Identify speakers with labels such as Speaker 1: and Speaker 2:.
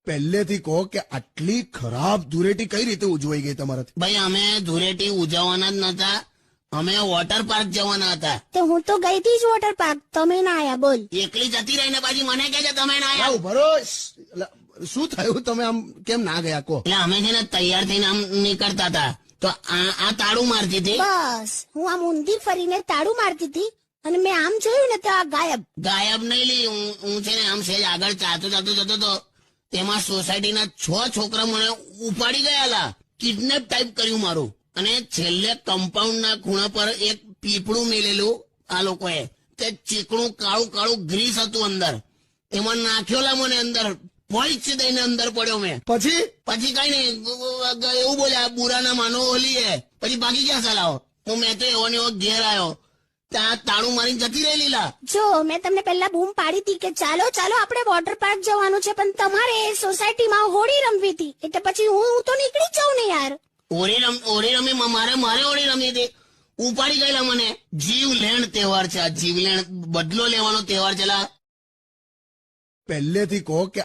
Speaker 1: પહેલેથી કહો કે આટલી ખરાબ ધૂળેટી કઈ રીતે ઉજવાઈ ગઈ તમારાથી?
Speaker 2: ભાઈ અમે ધૂળેટી ઉજવવાના જ નતા, અમે વોટર પાર્ક જવાના હતા.
Speaker 3: તો હું તો ગઈ હતી જ વોટર પાર્ક, તમે ના આયા. બોલ.
Speaker 2: એકલી જતી રહીને પાછી મને કહે છે તમે ના
Speaker 1: આવ
Speaker 2: આવ્યા.
Speaker 1: ભરો. શું થયું? તમે આમ કેમ ના ગયા કહો?
Speaker 2: એટલે અમે છે ને તૈયાર થઈને આમ નીકળતા હતા તો આ તાળું મારતી હતી.
Speaker 3: બસ હું આમ ઊંધી ફરીને તાળું મારતી હતી અને મેં આમ જોયું ને તો આ ગાયબ.
Speaker 2: ગાયબ નહીં લી, હું છે ને આમ સેજ આગળ ચાલતો જતો તો તેમાં સોસાયટીના 6 છોકરા મને ઉપાડી ગયેલા. કિડનેપ ટાઈપ કર્યું મારું. અને છેલ્લે કમ્પાઉન્ડના ખૂણા પર એક પીપળું મેલેલું આ લોકોએ. તે ચીકણું કાળું કાળું ગ્રીસ હતું અંદર, એમાં નાખ્યોલા મને અંદર. પોઈચ દઈને અંદર પડ્યો મેં.
Speaker 1: પછી
Speaker 2: કઈ નહીં, એવું બોલ્યા બુરા ના માનો હોલી હે. પછી બાકી ક્યાં ચલાવો. મેં તો એવો ને એવો ઘેર આવ્યો, ત્યાં તાળું મારીને જતી રહી લીલા.
Speaker 3: જો મેં તમને પહેલા બૂમ પાડી હતી કે ચાલો ચાલો આપણે વોટર પાર્ક જવાનું છે, પણ તમારે સોસાયટીમાં હોળી રમવી હતી, એટલે પછી હું તો નીકળી જાઉં ને યાર.
Speaker 2: હોળી રમી મારે હોળી રમી હતી. ઉપાડી ગયેલા મને. જીવલેણ તહેવાર છે આ, જીવલેણ બદલો લેવાનો તહેવાર છે.
Speaker 1: પહેલેથી કહો કે